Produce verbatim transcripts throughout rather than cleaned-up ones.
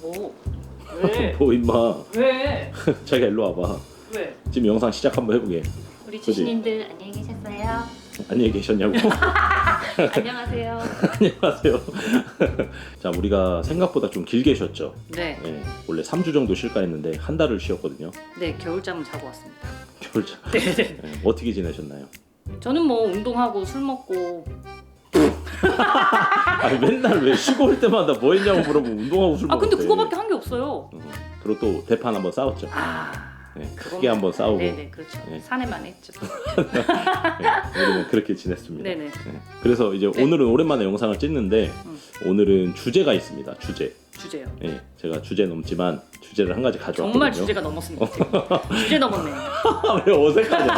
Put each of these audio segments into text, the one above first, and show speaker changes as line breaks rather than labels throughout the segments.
뭐? 왜?
뭐 임마.
왜?
자기가 일로 와봐.
왜?
지금 영상 시작 한번 해보게.
우리 주신님들 안녕히 계셨어요?
안녕히 계셨냐고.
안녕하세요.
안녕하세요. 자, 우리가 생각보다 좀 길게 쉬었죠.
네.
네, 원래 삼 주 정도 쉴까 했는데 한 달을 쉬었거든요.
네, 겨울잠을 자고 왔습니다.
겨울잠.
네네.
네, 어떻게 지내셨나요?
저는 뭐 운동하고 술 먹고.
아니 맨날 왜 쉬고 올 때마다 뭐 했냐고 물어보면 운동하고 술
아
먹었대.
근데 그거밖에 한 게 없어요.
어, 그리고 또 대판 한번 싸웠죠.
아.
네, 크게 한번 싸우고.
네네, 그렇죠.
네.
사내만 했죠.
네, 우리는 그렇게 지냈습니다.
네네.
네, 그래서 이제
네.
오늘은 오랜만에 영상을 찍는데
음.
오늘은 주제가 있습니다. 주제.
주제요.
네, 제가 주제 넘지만 주제를 한 가지 가져왔거든요.
정말 주제가 넘었습니다. 지금. 주제 넘었네.
왜 어색하냐?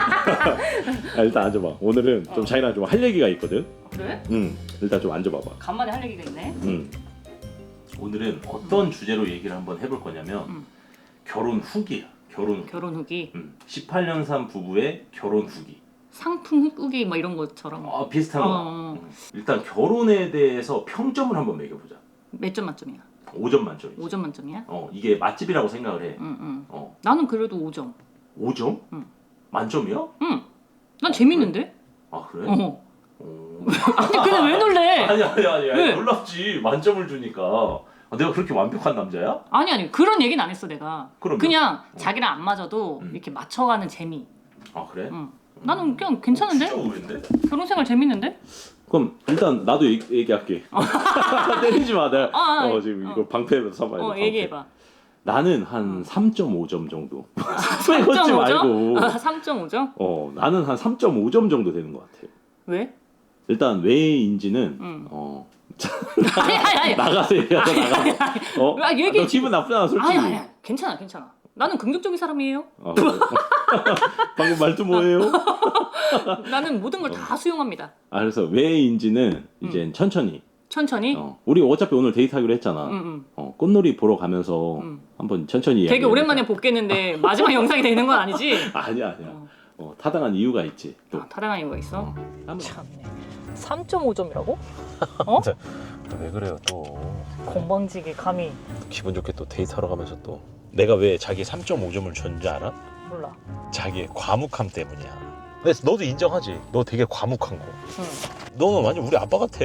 아, 일단 앉아봐. 오늘은 좀
어.
자기랑 좀 할 얘기가 있거든.
그래?
응. 일단 좀 앉아봐봐.
간만에 할 얘기가 있네.
응. 오늘은 어떤 주제로 얘기를 한번 해볼 거냐면
음.
결혼 후기야. 결혼 후기.
결혼 후기,
음, 십팔 년 산 부부의 결혼 후기.
상품 후기 막 이런 것처럼.
아, 비슷한 거.
어.
음. 일단 결혼에 대해서 평점을 한번 매겨보자.
몇 점 만점이야?
오 점 만점이지.
오 점 만점이야?
어, 이게 맛집이라고 생각을 해.
응, 응.
어,
나는 그래도 오 점.
오 점?
응.
만점이야?
응. 난 재밌는데?
아, 그래?
어.
어.
아니 근데 왜 놀래?
아니 아니 아니, 아니
왜?
놀랍지. 만점을 주니까. 아, 내가 그렇게 완벽한 남자야?
아니 아니 그런 얘기는 안 했어 내가.
그러면?
그냥 자기랑 안 맞아도
음.
이렇게 맞춰가는 재미.
아, 그래?
응. 나는 그냥 괜찮은데?
진짜 의외인데?
결혼 생활 재밌는데?
그럼 일단 나도 얘기, 얘기할게. 때리지 마. 내가
아, 아,
어, 지금
어.
이거 방패로 삼아야 돼.
어
방패.
얘기해봐.
나는 한 삼 점 오 점 정도.
삼
빼놓지
점 오
말고.
점? 아, 삼 점 오 점?
어, 나는 한 삼 점 오 점 정도 되는 것 같아.
왜?
일단 왜인지는
응.
어
아니 아니 아니.
나가서 얘기하자. 나가서. 어?
아, 얘기해.
너 기분 나쁘잖아 솔직히.
아니 아니 괜찮아 괜찮아. 나는 긍정적인 사람이에요.
아, 그래. 방금 말투 뭐예요?
나는 모든 걸 다 수용합니다.
아, 그래서 왜인지는 이제 천천히.
천천히.
어, 우리 어차피 오늘 데이트하기로 했잖아.
응, 응.
어, 꽃놀이 보러 가면서
음.
한번 천천히
되게
이야기해보자.
오랜만에 복귀했는데 마지막 영상이 되는 건 아니지?
아니야 아니야.
어.
어, 타당한 이유가 있지. 또.
아, 타당한 이유가 있어?
어. 한번.
참네. 삼 점 오 점이라고? 어?
왜 그래요 또?
건방지게 감히.
기분 좋게 또 데이트하러 가면서 또 내가 왜 자기 삼 점 오 점을 줬는지 알아?
몰라.
자기의 과묵함 때문이야. 근데 너도 인정하지? 너 되게 과묵한 거.
응.
너는 완전 우리 아빠 같아.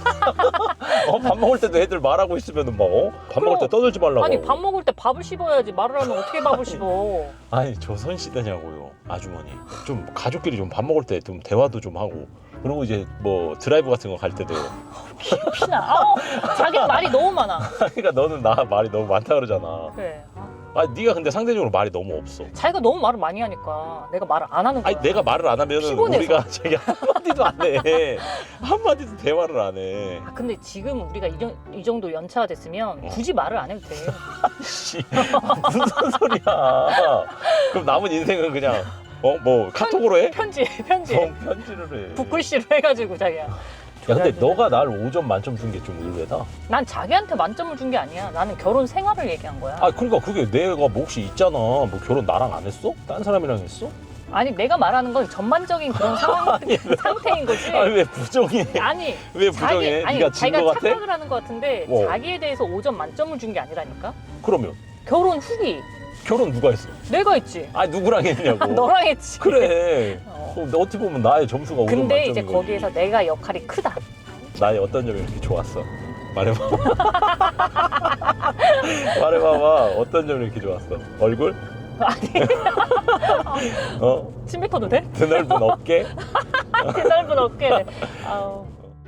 어, 밥 먹을 때도 애들 말하고 있으면은 막 어? 밥 먹을 때 떠들지 말라고.
아니 밥 먹을 때 밥을 씹어야지. 말을 하면 어떻게 밥을 씹어?
아니 조선 시대냐고요, 아주머니. 좀 가족끼리 좀 밥 먹을 때 좀 대화도 좀 하고. 그리고 이제 뭐 드라이브 같은 거 갈 때도.
피나. 아우, 자기는 말이 너무 많아.
그러니까 너는 나 말이 너무 많다 그러잖아.
그래.
아, 네가 근데 상대적으로 말이 너무 없어.
자기가 너무 말을 많이 하니까 내가 말을 안 하는 거야.
아니 내가 말을 안 하면은
피곤해서.
우리가 저기 한마디도 안 해. 한마디도 대화를 안 해.
아, 근데 지금 우리가 이, 정- 이 정도 연차가 됐으면
어.
굳이 말을 안 해도 돼.
씨, 무슨 소리야? 그럼 남은 인생은 그냥 어 뭐 카톡으로 해?
편지, 편지.
어, 편지를 해.
붓글씨로 해가지고 자기야.
야, 근데 너가 날 오 점 만점 준 게 좀 의외다.
난 자기한테 만점을 준 게 아니야. 나는 결혼 생활을 얘기한 거야.
아, 그러니까 그게 내가 몫이 있잖아. 뭐 결혼 나랑 안 했어? 딴 사람이랑 했어?
아니 내가 말하는 건 전반적인 그런 상황, 상태인 거지.
아니 왜 부정해?
아니
왜 부정해?
아니
네가 진
자기가
거 같아?
착각을 하는 거 같은데
어.
자기에 대해서 오 점 만점을 준 게 아니라니까.
그러면
결혼 후기
결혼 누가 했어?
내가 했지.
아, 누구랑 했냐고.
너랑 했지.
그래.
어.
어, 어떻게 보면 나의 점수가 오 점
근데
만점인
이제
거지.
거기에서 내가 역할이 크다.
나의 어떤 점이 이렇게 좋았어? 말해봐. 말해봐봐. 어떤 점이 이렇게 좋았어? 얼굴?
아니
어?
침 뱉어도 돼?
드넓은 어깨?
대넓은 어깨. 아우.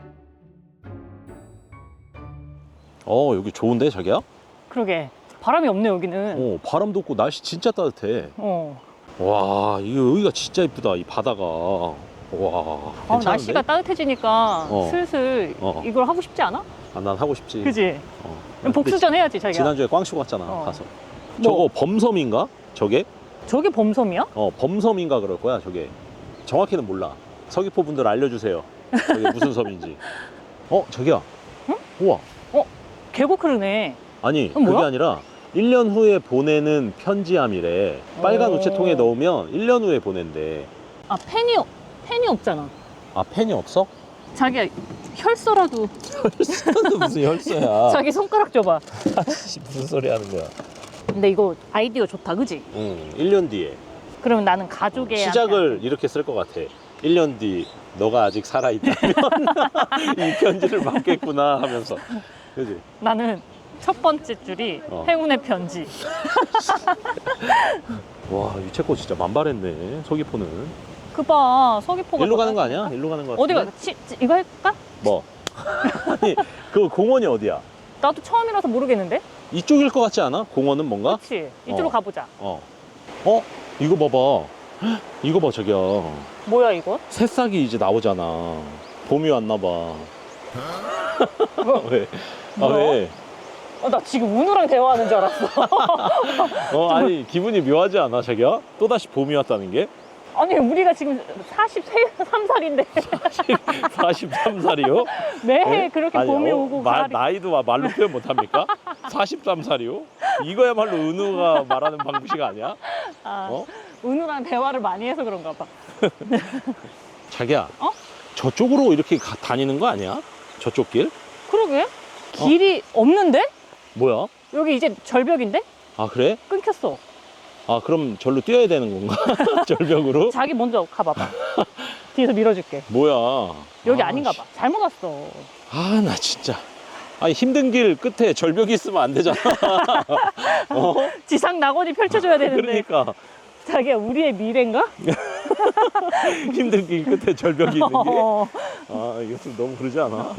어, 여기 좋은데 자기야?
그러게 바람이 없네 여기는.
어, 바람도 없고 날씨 진짜 따뜻해.
어.
와, 이거 여기가 진짜 이쁘다. 이 바다가. 와,
아,
괜찮은데?
날씨가 따뜻해지니까
어.
슬슬
어.
이걸 하고 싶지 않아?
아, 난 하고 싶지.
그지?
어.
그럼 복수전 해야지 자기가.
지난주에 꽝쇼 갔잖아.
어.
가서.
뭐?
저거 범섬인가? 저게?
저게 범섬이야?
어, 범섬인가 그럴 거야. 저게. 정확히는 몰라. 서귀포 분들 알려주세요. 저게 무슨 섬인지. 어, 저기야.
응?
우와.
계곡 흐르네.
아니,
그건
그게
뭐야?
아니라 일 년 후에 보내는 편지함이래. 빨간
오.
우체통에 넣으면 일 년 후에 보낸대.
아 펜이 펜이 없잖아.
아, 펜이 없어?
자기야 혈서라도.
혈서는 무슨 혈서야.
자기 손가락 줘봐.
아씨, 무슨 소리 하는 거야.
근데 이거 아이디어 좋다, 그지?
응, 일 년 뒤에
그러면 나는 가족의
시작을 이렇게 쓸 것 같아. 일 년 뒤 너가 아직 살아있다면 이 편지를 받겠구나 하면서. 그지?
나는 첫 번째 줄이
어.
행운의 편지.
와, 유채꽃 진짜 만발했네. 서귀포는.
그봐, 서귀포가.
일로 가는 거 아니야? 일로 가는 거 같은데?
어디가? 치, 치, 이거 할까?
뭐? 아니, 그 공원이 어디야?
나도 처음이라서 모르겠는데?
이쪽일 것 같지 않아? 공원은 뭔가?
그치? 이쪽으로
어.
가보자.
어. 어? 이거 봐봐. 헉, 이거 봐, 저기야.
뭐야, 이거?
새싹이 이제 나오잖아. 봄이 왔나 봐. 왜? 아,
뭐야?
왜?
어, 나 지금 운우랑 대화하는 줄 알았어.
어, 아니, 기분이 묘하지 않아, 자기야? 또다시 봄이 왔다는 게?
아니, 우리가 지금 사십삼 살인데
사십삼 살이요?
매해 그렇게
아니,
봄이
어,
오고
마,
가을이.
나이도 말로 표현 못합니까? 사십삼 살이요? 이거야말로 은우가 말하는 방식 아니야?
아,
어?
은우랑 대화를 많이 해서 그런가 봐.
자기야,
어?
저쪽으로 이렇게 가, 다니는 거 아니야? 저쪽 길?
그러게? 길이 없는데?
뭐야?
여기 이제 절벽인데?
아, 그래?
끊겼어.
아, 그럼 절로 뛰어야 되는 건가? 절벽으로?
자기 먼저 가봐봐. 뒤에서 밀어줄게.
뭐야?
여기
아,
아닌가 봐. 잘못 왔어.
아, 나 진짜. 아니, 힘든 길 끝에 절벽이 있으면 안 되잖아. 어?
지상 낙원이 펼쳐줘야 되는데.
그러니까.
자기야, 우리의 미래인가?
힘든 길 끝에 절벽이 있는 게.
어.
아, 이거 좀 너무 그러지 않아?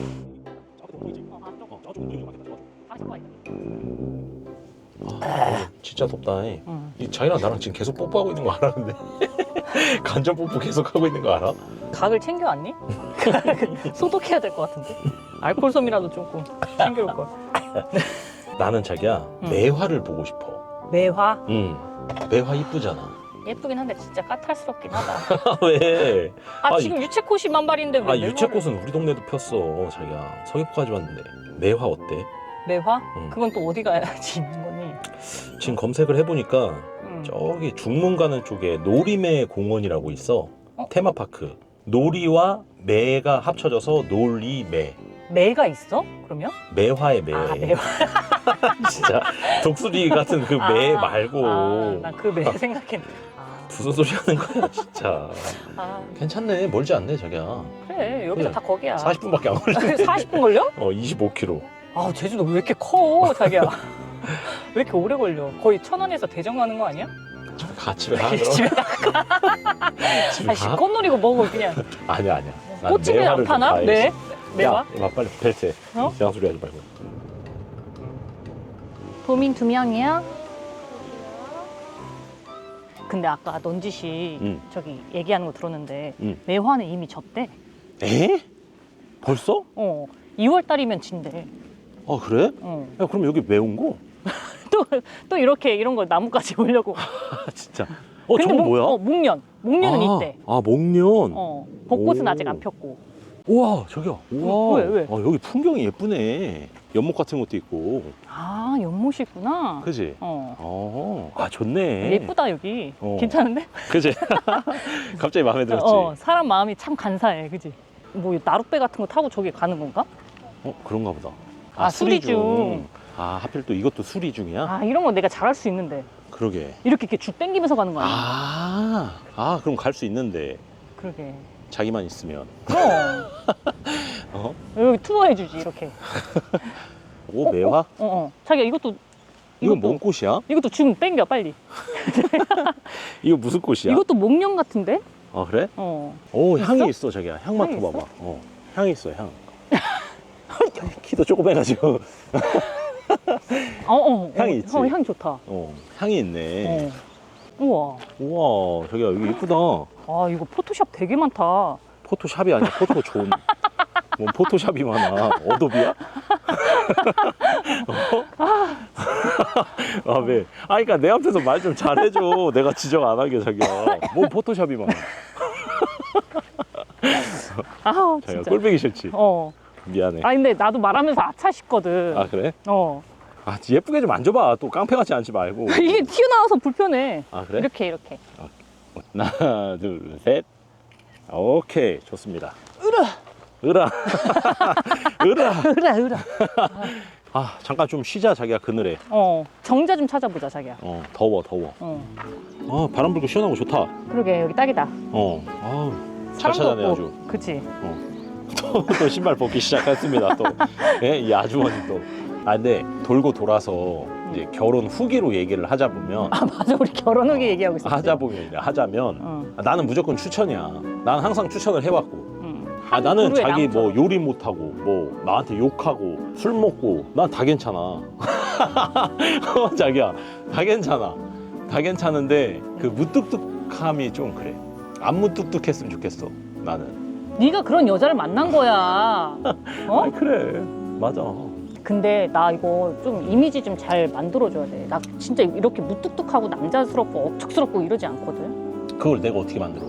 아, 진짜 덥다.
응.
이 자기랑 나랑 지금 계속 뽀뽀하고 있는 거 알아, 근데? 간접 뽀뽀 계속 하고 있는 거 알아?
각을 챙겨왔니? 소독해야 될 것 같은데. 알코올솜이라도 조금 챙겨올 걸.
나는 자기야,
응.
매화를 보고 싶어.
매화?
응. 매화 이쁘잖아.
예쁘긴 한데 진짜 까탈스럽긴 하다.
왜?
아,
아,
지금 유채꽃이 만발인데 왜
아,
매화를-
유채꽃은 우리 동네도 폈어, 자기야. 서귀포까지 왔는데. 매화 어때?
매화?
응.
그건 또 어디 가야지 있는 거니?
지금 검색을 해보니까
응.
저기 중문 가는 쪽에 놀이매 공원이라고 있어.
어?
테마파크. 놀이와 매가 합쳐져서 놀이매.
매가 있어? 그러면?
매화의 매.
아, 매화.
진짜 독수리 같은 그 매 말고.
아, 나 그 매 생각했네. 아,
무슨 소리 하는 거야, 진짜.
아,
괜찮네. 멀지 않네, 자기야.
그래. 여기서
그래.
다 거기야.
사십 분밖에 안 걸리네.
사십 분 걸려?
어, 이십오 킬로미터.
아, 제주도 왜 이렇게 커, 자기야. 왜 이렇게 오래 걸려? 거의 천안에서 대전 가는 거 아니야?
가, 집에 가, 그럼.
집에 가.
집에
아,
가?
꽃놀이고 뭐고 그냥.
아니야, 아니야. 난
꽃집에 안
매화를 좀
파나?
봐야지.
네. 매화?
야, 이마 빨리 벨트 해.
어?
이상한 소리 하지 말고.
도민 두 명이야? 근데 아까 넌지시
응.
저기 얘기하는 거 들었는데
응.
매화는 이미 졌대.
에? 벌써?
어, 이월 달이면 진대.
아, 그래?
어.
야, 그럼 여기 왜 온 거?
또, 또 이렇게 이런 거 나무까지 보려고.
아, 진짜. 어,
근데
저건
목-
뭐야?
어, 목련. 목련은
아,
있대.
아, 목련.
어, 벚꽃은
오.
아직 안 폈고.
우와, 저기야. 우와.
왜, 왜?
아, 여기 풍경이 예쁘네. 연못 같은 것도 있고.
아, 연못이 있구나.
그지?
어.
어, 아, 좋네.
예쁘다, 여기.
어.
괜찮은데?
그지? 갑자기 마음에 들었지?
어, 사람 마음이 참 간사해, 그지? 뭐 나룻배 같은 거 타고 저기 가는 건가?
어, 그런가 보다.
아, 수리중.
아, 하필 또 이것도 수리중이야?
아, 이런 거 내가 잘할 수 있는데.
그러게.
이렇게 이렇게 줄 땡기면서 가는 거 아니야?
아, 아, 그럼 갈 수 있는데.
그러게.
자기만 있으면.
그럼.
어?
여기 투어 해주지, 이렇게.
오, 매화?
어, 어. 자기야, 이것도.
이건
이것도-
뭔 꽃이야?
이것도 줌 땡겨, 빨리.
이거 무슨 꽃이야?
이것도 목련 같은데?
아, 그래?
어.
오,
있어?
향이 있어, 자기야. 향
향이
맡아봐봐.
있어?
어, 향이 있어, 향. 키도 조금 해가지고.
어, 어.
향이
어,
있지?
어, 향 좋다.
어, 향이 있네.
어. 우와.
우와, 자기야, 여기 이쁘다.
아, 이거 포토샵 되게 많다.
포토샵이 아니야, 포토존. 뭐 포토샵이 많아. 어도비야? 어? 아, 왜? 아, 그니까 내 앞에서 말 좀 잘해줘. 내가 지적 안 하게, 자기야. 뭐 포토샵이 많아.
아,
자기야,
진짜.
꼴보기 싫지?
어.
미안해.
아, 근데 나도 말하면서 아차 싶거든.
아, 그래?
어.
아, 예쁘게 좀 만져봐. 또 깡패같이 앉지 말고.
이게 튀어나와서 불편해.
아, 그래?
이렇게, 이렇게.
하나, 둘, 셋. 오케이, 좋습니다.
으르!
으라. 으라.
으라 으라.
아 잠깐 좀 쉬자 자기야 그늘에.
어 정자 좀 찾아보자 자기야.
어 더워 더워.
어
아 바람 불고 시원하고 좋다.
그러게 여기 딱이다.
어. 아잘
사람도
찾아내
없고.
아주.
그치.
또, 또 신발 벗기 시작했습니다. 또 예? 이 아주머니 또. 아 근데 돌고 돌아서 이제 결혼 후기로 얘기를 하자 보면
아 맞아 우리 결혼 후기
어,
얘기하고 있었지.
하자 보면 이제 하자면
어.
아, 나는 무조건 추천이야. 나는 항상 추천을 해왔고.
응.
아 나는
그루의
자기
나무처럼.
뭐 요리 못하고 뭐 나한테 욕하고 술 먹고 난 다 괜찮아. 어, 자기야 다 괜찮아. 다 괜찮은데 그 무뚝뚝함이 좀 그래. 안 무뚝뚝했으면 좋겠어 나는.
네가 그런 여자를 만난 거야. 어?
아 그래 맞아.
근데 나 이거 좀 이미지 좀 잘 만들어줘야 돼. 나 진짜 이렇게 무뚝뚝하고 남자스럽고 억척스럽고 이러지 않거든.
그걸 내가 어떻게 만들어?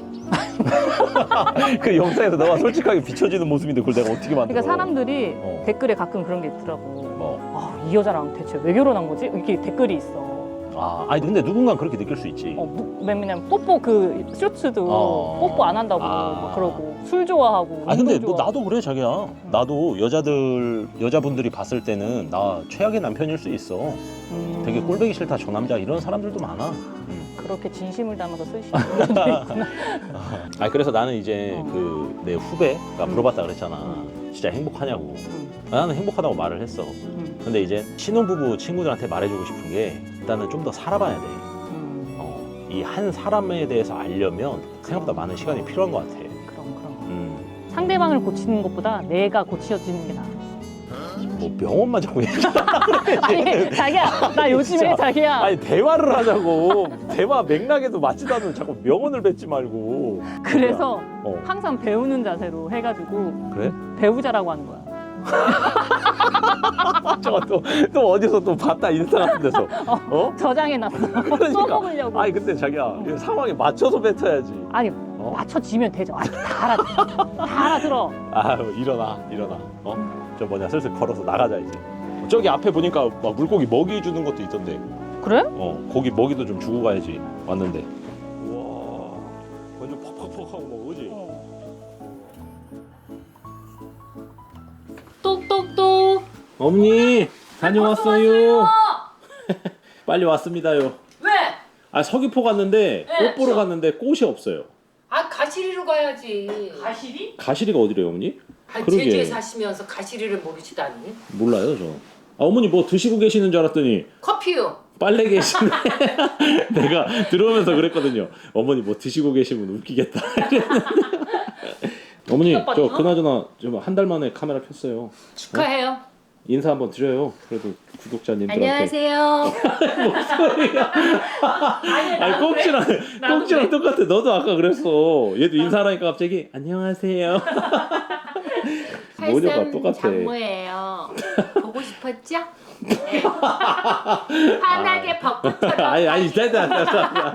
그 영상에서 너가 솔직하게 비춰지는 모습인데 그걸 내가 어떻게 만들어?
그러니까 사람들이
어.
댓글에 가끔 그런 게 있더라고.
뭐.
아, 이 여자랑 대체 왜 결혼한 거지? 이렇게 댓글이 있어.
아, 아니 근데 누군가 그렇게 느낄 수 있지.
어, 무- 왜냐면 뽀뽀 그 쇼츠도
어.
뽀뽀 안 한다고
아.
막 그러고 술 좋아하고.
아 근데
운동
뭐
좋아하고.
나도 그래 자기야. 나도 여자들 여자분들이 봤을 때는 나 최악의 남편일 수 있어.
음.
되게 꼴보기 싫다 저 남자 이런 사람들도 많아. 음.
그렇게 진심을 담아서 쓰시는 분들도 있구나.
아 그래서 나는 이제
어.
그 내 후배가
음.
물어봤다 그랬잖아.
음.
진짜 행복하냐고.
음.
아, 나는 행복하다고 말을 했어.
음.
근데 이제 신혼부부 친구들한테 말해주고 싶은 게 일단은 좀 더 살아봐야 돼.
음.
어, 이 한 사람에 대해서 알려면 생각보다 많은 시간이 필요한 것 같아.
그럼 그럼.
음.
상대방을 고치는 것보다 내가 고쳐지는 게 나아.
뭐 병원만 자꾸 얘기.
아니 자기야 나 요즘에
진짜.
자기야
아니 대화를 하자고. 대화 맥락에도 맞지도 않는 자꾸 명언을 뱉지 말고.
그래서
어.
항상 배우는 자세로 해가지고
그래?
배우자라고 하는 거야.
저거 또, 또 어디서 또 봤다 인스타 같은 데서. 어?
저장해놨어.
그러니까.
써먹으려고.
아니 근데 자기야 이 상황에 맞춰서 뱉어야지.
아니
어?
맞춰지면 되죠. 아니 다 알아 다 알아들어.
아 일어나 일어나. 어? 저 뭐냐 슬슬 걸어서 나가자 이제. 저기 앞에 보니까 막 물고기 먹이 주는 것도 있던데.
그래?
어 고기 먹이도 좀 주고 가야지. 왔는데. 우와 완전 퍽퍽퍽하고 막 오지.
똑똑똑.
어머니 다녀왔어요. 빨리 왔습니다요.
왜?
아 서귀포 갔는데
네,
꽃 보러
저-
갔는데 꽃이 없어요.
아 가시리로 가야지.
가시리?
가시리가 어디래요 어머니?
아,
그러게.
제주에 사시면서 가시리를 모르시다니.
몰라요 저. 아, 어머니 뭐 드시고 계시는 줄 알았더니
커피요.
빨래 계시네. 내가 들어오면서 그랬거든요. 어머니 뭐 드시고 계시면 웃기겠다. 어머니 저 그나저나 좀 한 달 만에 카메라 켰어요.
축하해요.
인사 한번 드려요. 그래도 구독자님들한테.
안녕하세요.
목소리가. 아니 꼭지랑 꼭지랑 똑같아. 너도 아까 그랬어. 얘도 인사하니까 갑자기 안녕하세요. 모녀가
팔삼
똑같아.
장모예요. 보고 싶었죠? 네. 환하게 벚꽃처럼.
아니 아니 됐다 됐다.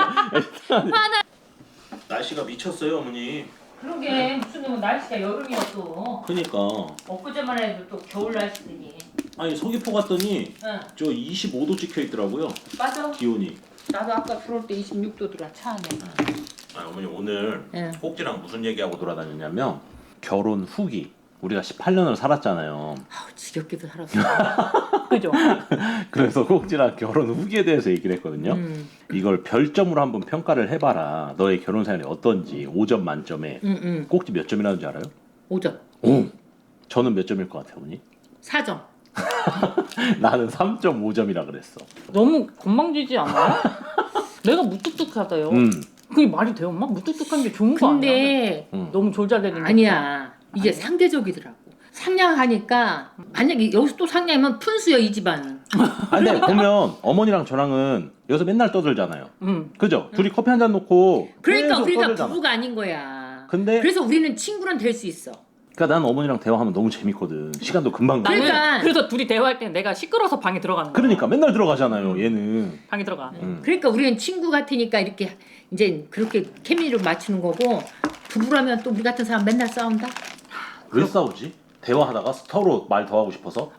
날씨가 미쳤어요 어머니.
그러게 무슨 날씨가 여름이었어.
그니까
엊그제만 해도 또 겨울 날씨더니.
아니 서귀포 갔더니
응.
저 이십오 도 찍혀 있더라고요.
맞아.
기온이.
나도 아까 들어올 때 이십육 도더라 차 안에.
아 어머니 오늘
응.
꼭지랑 무슨 얘기하고 돌아다녔냐면 결혼 후기. 우리가 십팔 년을 살았잖아요.
아우 지겹게도 살았어.
그죠?
그래서 꼭지랑 결혼 후기에 대해서 얘기를 했거든요.
응.
이걸 별점으로 한번 평가를 해봐라. 너의 결혼 생활이 어떤지 오 점 만점에
응, 응.
꼭지 몇 점이라는지 알아요?
오 점.
오. 저는 몇 점일 것 같아요, 어머니?
사 점.
나는 삼 점 오 점이라 그랬어.
너무 건방지지 않아요? 내가 무뚝뚝하다요.
음.
그게 말이 돼요, 엄마? 무뚝뚝한 게 좋은 거 아니야?
근데
음.
너무 졸잘대는
아니야. 이게 상대적이더라고. 상냥하니까 만약에 여기서 또 상냥하면 푼수야 이 집안은.
아, 근데 보면 어머니랑 저랑은 여기서 맨날 떠들잖아요.
응.
그죠? 둘이 커피 한 잔 놓고
그러니까
계속
우리가
떠들잖아.
부부가 아닌 거야.
근데
그래서 우리는 친구란 될 수 있어.
그러니까 난 어머니랑 대화하면 너무 재밌거든. 시간도 금방 가.
나는
그러니까-
그래서 둘이 대화할 때는 내가 시끄러워서 방에 들어가는 거야.
그러니까 맨날 들어가잖아요, 얘는.
방에 들어가.
음.
그러니까 우리는 친구 같으니까 이렇게 이제 그렇게 케미를 맞추는 거고 부부라면 또 우리 같은 사람 맨날 싸운다.
왜 싸우지? 대화하다가 서로 말 더 하고 싶어서?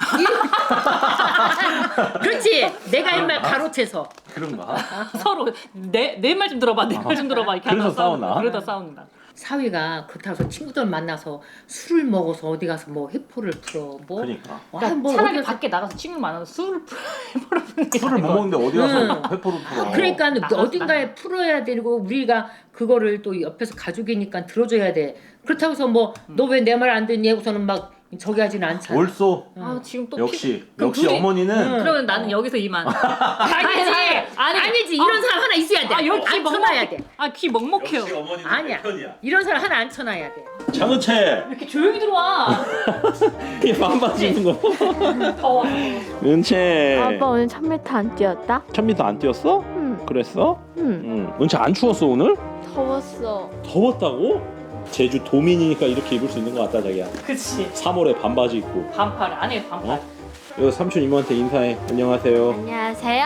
그렇지. 내가 옛말 가로채서.
그런가?
서로 내 내 말 좀 들어봐, 내 말 좀 들어봐 이렇게
그래서
하다가 싸우는
싸우나?
거야. 그러다 싸운다.
사위가 그렇다고 해서 친구들 만나서 술을 먹어서 어디 가서 뭐 회포를 풀어 뭐
그러니까
와,
그러니까
뭐
차라리
어디 가서-
밖에 나가서 친구 만나서 술을 풀어보는 게
술을 못
나을 것
먹는데 어디 가서
응.
회포를 풀어.
그러니까
나가-
어딘가에 풀어야 되고 우리가 그거를 또 옆에서 가족이니까 들어줘야 돼. 그렇다고 해서 뭐 너 왜 내 말 안 듣니 하고서는 막 저기 하지는 않잖아.
옳소.
아 지금 또
역시
그럼
역시
둘이-
어머니는
응.
그러면 나는 여기서 이만.
아니지
아니,
아니지 이런
아.
사람 하나 있어야 돼.
아 여기 귀
앉혀놔야
먹먹해.
돼.
아귀 먹먹해요.
어머니는
아니야.
내 편이야.
이런 사람 하나 앉혀놔야 돼.
장은채
왜 이렇게 조용히 들어와?
이 반바지는 거.
더워.
은채.
아빠 오늘 천 미터 안 뛰었다?
천 미터 안 뛰었어?
응,
그랬어?
응.
응. 은채 안 추웠어 오늘?
더웠어.
더웠다고? 제주 도민이니까 이렇게 입을 수 있는 것 같다 자기야.
그치.
삼월에 반바지 입고.
반팔 안에 반팔.
어? 이거 삼촌 이모한테 인사해. 안녕하세요.
안녕하세요.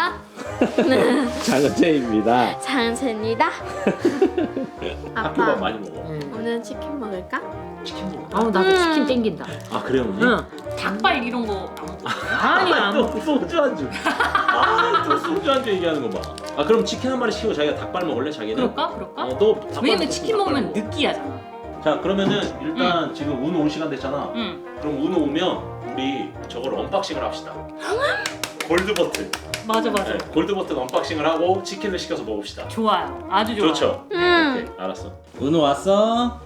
장은채입니다.
장은채입니다.
학교밥
아빠,
많이 먹어.
응.
오늘 치킨 먹을까?
치킨 먹어.
아우 나도
음.
치킨 땡긴다.
아 그래요 언니?
응.
닭발 이런 거 안 먹고.
아니야.
또 소주 안주. 아또 소주 안주 얘기하는 거 봐. 아 그럼 치킨 한 마리 시키고 자기가 닭발 먹을래 자기는?
그럴까? 그럴까?
어, 너 닭발
왜냐면
먹고
치킨
닭발
먹으면
먹어.
느끼하잖아.
자 그러면은 일단 지금 운우 올 시간 됐잖아.
응.
그럼 운우 오면 우리 저걸 언박싱을 합시다. 골드 버튼.
맞아 맞아.
네, 골드 버튼 언박싱을 하고 치킨을 시켜서 먹읍시다.
좋아요. 아주 좋아.
좋죠?
응.
오케이 알았어. 은우 왔어?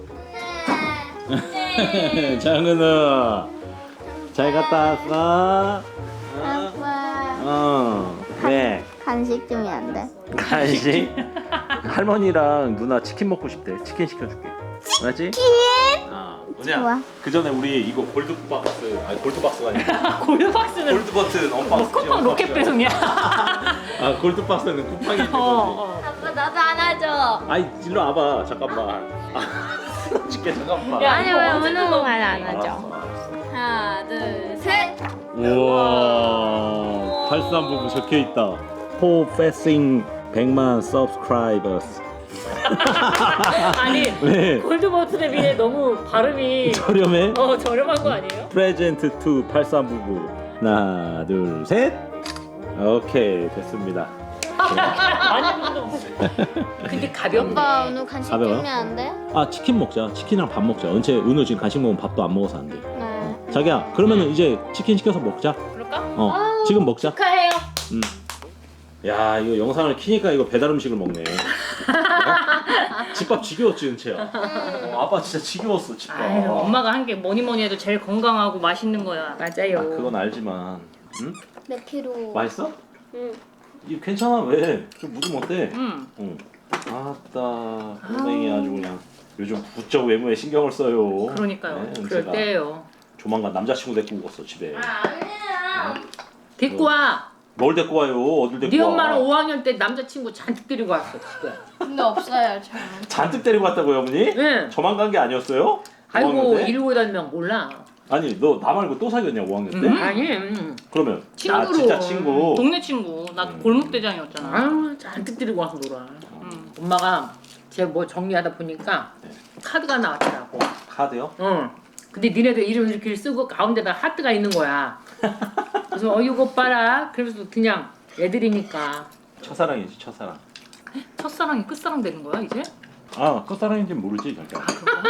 장은우 잘 갔다 왔어? 어?
아빠,
어. 왜?
간식 주면 안 돼?
간식? 할머니랑 누나 치킨 먹고 싶대. 치킨 시켜줄게. 맞지? 치킨? 아,
좋아.
뭐냐? 그 전에 우리 이거 골드 박스, 아니 골드 박스가 아니라
골드박스는
골드 버튼
뭐
언박스.
쿠팡 로켓 배송이야.
아 골드 박스는 쿠팡이 있는
어,
거지.
어.
아빠 나도 안아줘.
아이 일로 와봐 잠깐만. 아, 줄게 잠깐만.
야,
아니
이거
왜
언제
오는
뜯어?
말 안
알았어,
하죠?
알았어.
하나, 둘, 셋.
우와 팔삼부부 적혀 있다. 포패싱 백만 subscribers.
아니
왜?
골드 버튼에 비해 너무 발음이
저렴해?
어 저렴한 거 아니에요?
프레젠트 투 팔삼부부. 하나 둘 셋. 오케이 됐습니다.
많이 부르는
근데 가볍네.
아빠 오늘 간식
가벼워요?
주면 안 돼?
아 치킨 먹자. 치킨이랑 밥 먹자. 은채 은우 지금 간식 먹으면 밥도 안 먹어서 안 돼.
네.
자기야 그러면은 이제 치킨 시켜서 먹자.
그럴까?
어
아우.
지금 먹자.
축하해요.
음. 야 이거 영상을 키니까 이거 배달 음식을 먹네. 어? 집밥 지겨웠지 은채야. 어, 아빠 진짜 지겨웠어 집밥.
아유 엄마가 한 게 뭐니 뭐니 해도 제일 건강하고 맛있는 거야.
맞아요.
아, 그건 알지만. 응?
몇 킬로?
맛있어?
응.
이거 괜찮아 왜? 좀 묻으면 어때?
응.
응. 아따 고생이 아주 그냥 요즘 부쩍 외모에 신경을 써요.
그러니까요.
네,
그럴
은채가
때예요.
조만간 남자친구 데리고 오겠어 집에.
아니야.
데리고 와.
뭘 데리고 와요? 어딜 데리고
네
와?
엄마는 오 학년 때 남자친구 잔뜩 데리고 왔어 지금.
근데 없어요 저는.
잔뜩 데리고 왔다고요 어머니?
응.
저만 간 게 아니었어요?
아이고
오 학년 때?
이러고 다니면 몰라.
아니 너 나 말고 또 사귀었냐 오 학년 때?
음.
아니. 음.
그러면
친구로.
아 진짜 친구.
동네 친구. 나
음.
골목대장이었잖아.
아유 잔뜩 데리고 와서 놀아.
응.
엄마가 제 뭐 정리하다 보니까
네.
카드가 나왔더라고.
카드요?
응. 근데 니네들 이름 이렇게 쓰고 가운데다 하트가 있는 거야. 그래서 어 이거 봐라. 그래서 그냥 애들이니까.
첫사랑이지 첫사랑.
첫사랑이 끝사랑 되는 거야 이제?
아 첫사랑인지 모르지 잠깐.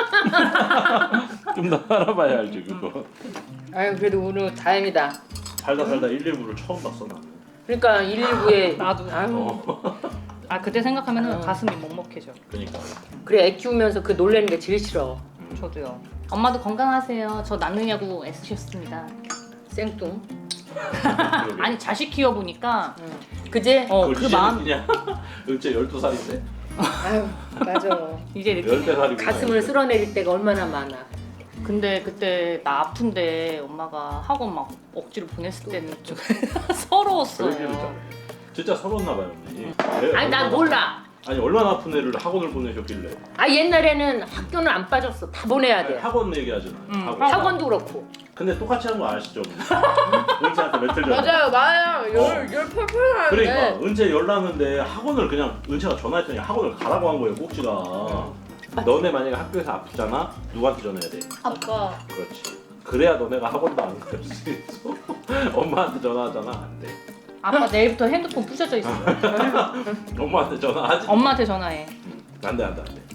좀 더 알아봐야 알지 그거.
아유 그래도 오늘 다행이다.
살다 살다 일일구를 처음 봤어 나는.
그러니까 일일구에
나도.
아유
어.
아 그때 생각하면은
어.
가슴이 먹먹해져.
그러니까.
그래 애 키우면서 그 놀래는 게 제일 싫어.
저도요. 엄마도 건강하세요. 저 낳느냐고 애쓰셨습니다.
생뚱.
그러게.
아니 자식 키워 보니까
응. 그제?
어
그걸
그
이제
마음
느끼냐? 은채 열두 살인데
아유 맞아.
이제 느끼네.
열대 살이고.
가슴을 쓸어내릴 때가 얼마나 많아.
근데 그때 나 아픈데 엄마가 학원 막 억지로 보냈을 때는 좀 서러웠어요.
그러기를 잘해. 진짜 서러웠나 봐요 언니. 애
아니 난
얼마나-
몰라.
아니 얼마나 아픈 애를 학원을 보내셨길래.
아 옛날에는 학교는 안 빠졌어. 다 보내야
아니,
돼.
학원 얘기하잖아요.
응,
학원.
학원.
학원도 그렇고.
근데 똑같이 하는 거 아시죠? 은채한테 며칠 전에.
맞아요.
열-
열 펄펄 하는데.
그러니까 은채 열났는데 학원을 그냥 은채가 전화했더니 학원을 가라고 한 거예요 꼭지가. 너네 만약에 학교에서 아프잖아? 누구한테 전화해야 돼?
아빠.
그렇지. 그래야 너네가 학원도 안 갈 수 있어. 엄마한테 전화하잖아 안 돼.
아빠 내일부터 핸드폰 부셔져 있어.
엄마한테 전화하지.
엄마한테 전화해.
안돼 안돼 안돼.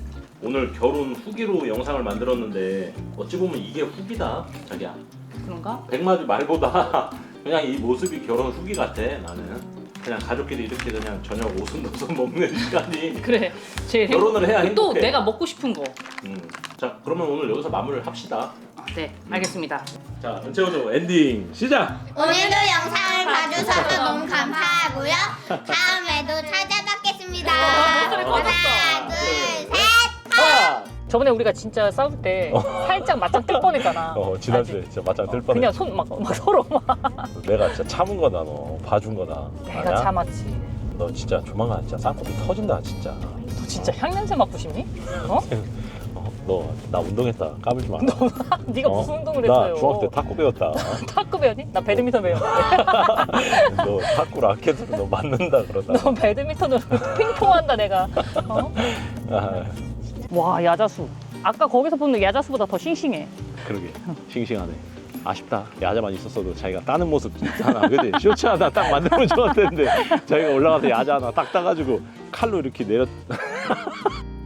오늘 결혼 후기로 영상을 만들었는데 어찌 보면 이게 후기다 자기야.
그런가?
백마디 말보다 그냥 이 모습이 결혼 후기 같아. 나는 그냥 가족끼리 이렇게 그냥 저녁 오순도순 먹는 시간이
그래. 제일
결혼을 해야
행복- 또
행복해.
내가 먹고 싶은 거.
음. 자 그러면 오늘 여기서 마무리를 합시다.
네, 알겠습니다.
자 은채호조 엔딩 시작.
오늘도 영상을 봐주셔서 너무 감사하고요. 다음에도 찾아뵙겠습니다. 하나, 둘, 셋.
하나.
저번에 우리가 진짜 싸울 때 살짝 맞짱 뜰 뻔했잖아.
어 지난주에 진짜 맞짱 뜰 뻔해.
그냥 손 막 막 서로 막.
내가 진짜 참은 거다 너. 봐준 거다.
내가
아니야?
참았지.
너 진짜 조만간 진짜 쌍꺼풀 터진다 진짜.
너 진짜 향냄새 맡고 싶니? 어?
어, 너 나 운동했다 까불지 마.
네가
어?
무슨 운동을
나
했어요?
중학교 때 탁구 배웠다.
탁구 배웠니? 나 배드민턴 배웠는데.
너 탁구 라켓으로 너 맞는다 그러다.
너 배드민턴으로 핑퐁한다 내가. 어?
아,
와 야자수. 아까 거기서 보는 야자수보다 더 싱싱해.
그러게 싱싱하네. 아쉽다. 야자만 있었어도 자기가 따는 모습 하나, 그지? 쇼츠 하나 딱 만들면 좋았을 텐데 자기가 올라가서 야자 하나 딱 따가지고 칼로 이렇게 내렸.